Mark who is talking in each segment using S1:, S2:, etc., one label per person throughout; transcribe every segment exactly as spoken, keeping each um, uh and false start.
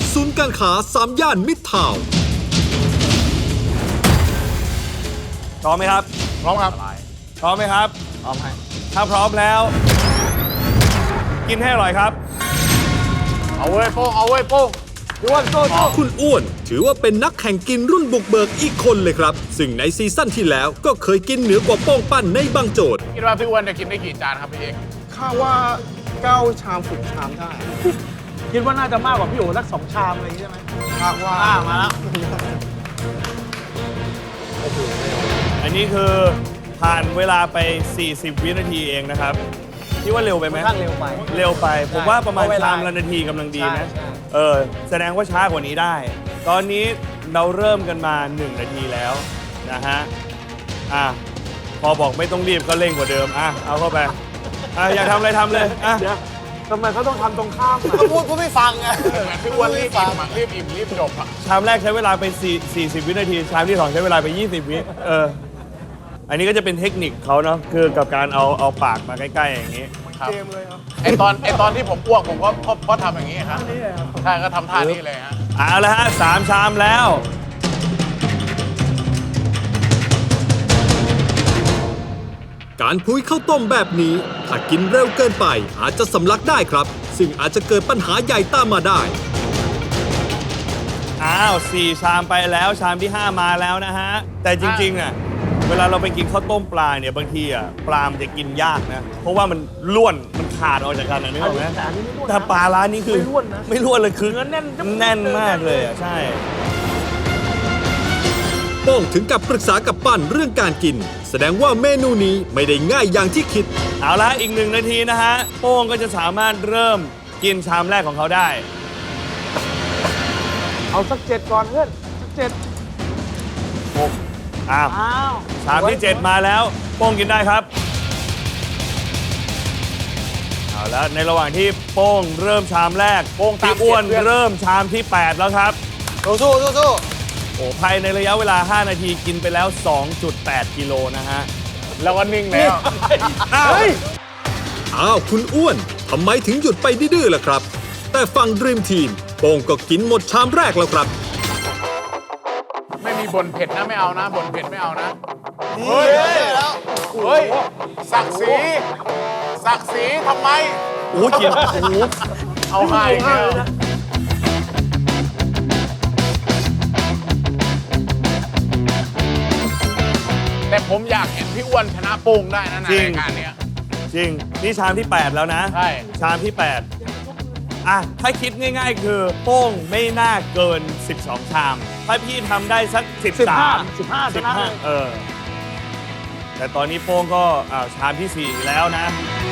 S1: ศูนย์การค้าสามย่านมิตรทาวน์
S2: พร้อมไหมครับ
S3: พร้อมครับ
S2: พร้อมไหมครับพร้อมให้ถ้าพร้อมแล้ว กินให้อร่อยครับ
S3: เอาเว้ยโป้งเอาเว้ยโป้ง
S1: อ้วนโซ่คุณอ้วนถือว่าเป็นนักแข่งกินรุ่นบุกเบิกอีกคนเลยครับซึ่งในซีซั่นที่แล้วก็เคยกินเหนือกว่าโป้งปั้นในบางโจทย์
S3: คิดว่าพี่อ้วนจะกินได้กี่จานครับพี่เอก
S4: ข้าว่าเก้าชามสิบชามได้คิดว่าน่าจะมากกว่าพี่โอ๋สักสองชามอะไรอย่างนี้ใช่ไหมคาดว่ามาแล้ว
S2: อันนี้คือผ่านเวลาไปสี่สิบวินาทีเองนะครับคิดว่าเร็วไปไหม
S4: ค่อนข้างเร็วไป
S2: เร็วไปผมว่าประมาณชามละนาทีกำลังดีนะเออแสดงว่าช้ากว่านี้ได้ตอนนี้เราเริ่มกันมาหนึ่งนาทีแล้วนะฮะอ่ะพอบอกไม่ต้องรีบก็เร่งกว่าเดิมอ่ะเอาเข้าไปอ่ะอยากทำอะไรทำเลยอ่ะ
S4: ทำไมเขาต้องทำตรงข้าม
S3: ก็พูดก็ไม่ฟังไงเหมือนพี่อ้วนรีบอิ่มรีบอิ่มรีบจบอ่ะ
S2: ชามแรกใช้เวลาไปสี่สิบวินาทีชามที่สองใช้เวลาไปยี่สิบวิเอออันนี้ก็จะเป็นเทคนิคเขาเนาะคือกับการเอาเอาปากมาใกล้ๆอย่างนี้
S4: เกมเลยครับ
S3: ไอตอนไอตอนที่ผมอ้วกผมก็เพราะทำอย่างนี้ครับใช่ก็ทำท่านี้เลยฮะ
S2: เอาละฮะสามชามแล้ว
S1: การพุ้ยข้าวต้มแบบนี้ถ้ากินเร็วเกินไปอาจจะสำลักได้ครับซึ่งอาจจะเกิดปัญหาใหญ่ตามมาได้
S2: อ้าวสี่ชามไปแล้วชามที่ห้ามาแล้วนะฮะแต่จริงๆอ่ะเวลาเราไปกินข้าวต้มปลาเนี่ยบางทีอ่ะปลามันจะกินยากนะเพราะว่ามันล้วนมันขาดออกจากกันนะนึกออกไหมแต่ปลาร้านนี้คือไม่ล้วนนะไม่ล้วนเลยคือแน่นแน่นมากเลยอ่ะใช่
S1: โป้งถึงกับปรึกษากับปั้นเรื่องการกินแสดงว่าเมนูนี้ไม่ได้ง่ายอย่างที่คิด
S2: เอาละอีกหนึ่งนาทีนะฮะโป้งก็จะสามารถเริ่มกินชามแรกของเขาได้
S4: เอาสักเจ็ดก่อนเพื่อนสักเจ็ด
S2: หกอ้าวชามที่เจ็ดมาแล้วโป้งกินได้ครับเอาแล้วในระหว่างที่โป้งเริ่มชามแรกโป้งพี่อ้วนเริ่มชามที่แปดแล้วครับ
S4: สู้สู้สู้สู้
S2: โอ้ภายในระยะเวลาห้านาทีกินไปแล้ว สองจุดแปด กิโลนะฮะ
S3: แล้วก็นิ่งแล้ว
S1: อ้าวอ้าวคุณอ้วนทำไมถึงหยุดไปดื้อๆล่ะครับแต่ฝั่งดรีมทีมโป้งก็กินหมดชามแรกแล้วครับ
S3: ไม่มีบ่นเผ็ดนะไม่เอานะบ่นเผ็ดไม่เอานะเฮ้ยแล้วเฮ้ยศักดิ์ศรีศักดิ์ศรีทำไม
S2: โอ้กินโอ้
S3: เอาให้เนี่ยแต่ผมอยากเห็นพี่อ้วนชนะโป้งได้นะในรายการนี้
S2: จริงนี่ชามที่แปดแล้วนะ
S3: ใช่
S2: ชามที่แปดอ่ะถ้าคิดง่ายๆคือโป้งไม่น่าเกินสิบสองชามถ้าพี่ทำได้สักสิบสาม
S4: สิบห้า
S2: สิบห้าเออแต่ตอนนี้โป้งก็อ่าชามที่สี่แล้วนะ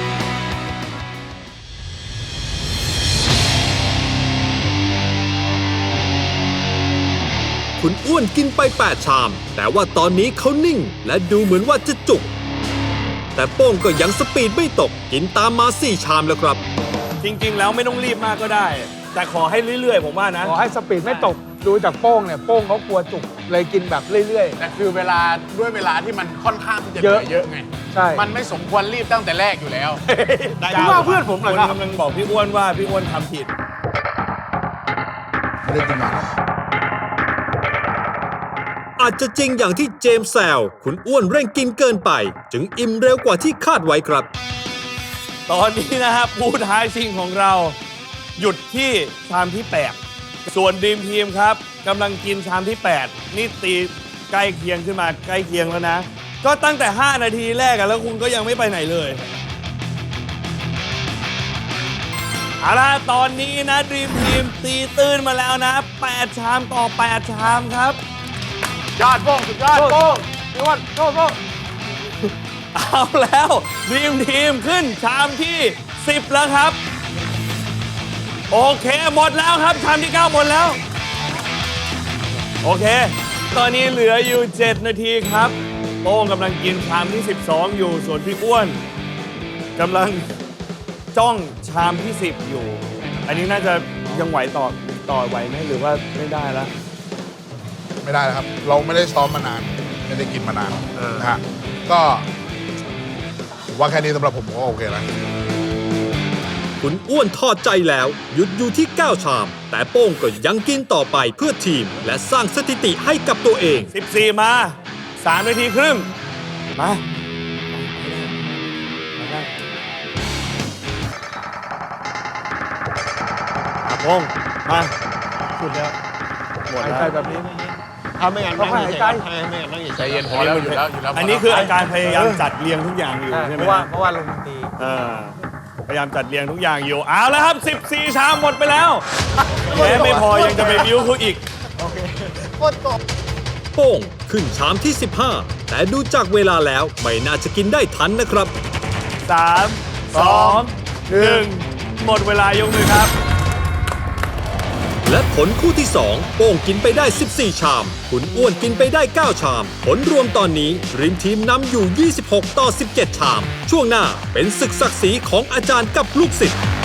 S1: คุณอ้วนกินไปแปดชามแต่ว่าตอนนี้เขานิ่งและดูเหมือนว่าจะจุกแต่โป้งก็ยังสปีดไม่ตกกินตามมาสี่ชามแล้วครับ
S2: จริงๆแล้วไม่ต้องรีบมากก็ได้แต่ขอให้เรื่อยๆผมว่านะ
S4: ขอให้สปีดไม่ตกดูจากโป้งเนี่ยโป้งเขากลัวจุกเลยกินแบบเรื่อย
S3: ๆแต่คือเวลาด้วยเวลาที่มันค่อนข้างที่จะเยอะเยอะไง
S4: ใช่
S3: มันไม่สมควรรีบตั้งแต่แรกอยู่แล้ว
S4: พี่ว่าเพื่อนผมเหรอครับ
S2: กำลังบอกพี่อ้วนว่าพี่อ้วนทำผิด
S3: ไม่ได้กินมา
S1: อาจจะจริงอย่างที่เจมส์แซวคุณอ้วนเร่งกินเกินไปจึงอิ่มเร็วกว่าที่คาดไว้ครับ
S2: ตอนนี้นะครับผู้ท้าชิงของเราหยุดที่ชามที่แปดส่วนดีมทีมครับกำลังกินชามที่แปดนี่ตีใกล้เคียงขึ้นมาใกล้เคียงแล้วนะก็ตั้งแต่ห้านาทีแรกอะแล้วคุณก็ยังไม่ไปไหนเลยเอาล่ะตอนนี้นะดีมทีมตีตื้นมาแล้วนะแปดชามต่อแปดชามครับ
S3: ยอดโป้งสุดยอดโป้ง
S4: พี่อ้วนโป้งโป้ง
S2: เอาแล้วดีมทีมขึ้นชามที่สิบแล้วครับโอเคหมดแล้วครับชามที่เก้าหมดแล้วโอเคตอนนี้เหลืออยู่เจ็ดนาทีครับโป้งกำลังกินชามที่สิบสองอยู่ส่วนพี่อ้วนกำลังจ้องชามที่สิบอยู่อันนี้น่าจะยังไหวต่อต่อไหวไหมหรือว่าไม่ได้แล้ว
S3: ไม่ได้แล้วครับเราไม่ได้ซ้อมมานานไม่ได้กินมานานนะฮะก็ว่าแค่นี้สำหรับผมก็โอเคแล้ว
S1: คุณอ้วนทอดใจแล้ว หยุดอยู่ที่ เก้า ชาม แต่โป้งก็ยังกินต่อไปเพื่อทีม และสร้างสถิติให้กับตัวเอง
S2: สิบสี่ มา สาม นาทีครึ่ง มาอาพงษ์มา
S4: สุดแล้ว
S2: หมด
S4: หาย
S2: แล้ว
S4: ใจแบบนี้
S5: ถ้าไม่งั้นนั่ง
S4: ต้องหายใจ
S5: เฉยๆไม่งั้นนั่งเฉยๆ
S3: ใจเย็นพอแล้วอยู่แล้วอยู่แล้ว
S2: อันนี้คืออาการพยายามจัดเรียงทุกอย่างอยู่
S4: ใช่
S2: ใช่
S4: เพ
S2: ไหม
S4: ราะว่า
S2: ฮะ
S4: เพราะว่าลงดนตรี
S2: เออพยายามจัดเรียงทุกอย่างอยู่ เอาแล้วครับ สิบสี่ ชามหมดไปแล้วแม้ไม่พอยังจะไปบิ้วเขาอีก
S1: โป้งขึ้นชามที่ สิบห้า แต่ดูจากเวลาแล้วไม่น่าจะกินได้ทันนะครับ
S2: สาม สอง หนึ่ง หมดเวลายกมือครับ
S1: และผลคู่ที่ สอง โป้งกินไปได้ สิบสี่ ชาม คุณอ้วนกินไปได้ เก้า ชาม ผลรวมตอนนี้ริมทีมนำอยู่ ยี่สิบหก ต่อ สิบเจ็ด ชาม ช่วงหน้าเป็นศึกศักดิ์ศรีของอาจารย์กับลูกศิษย์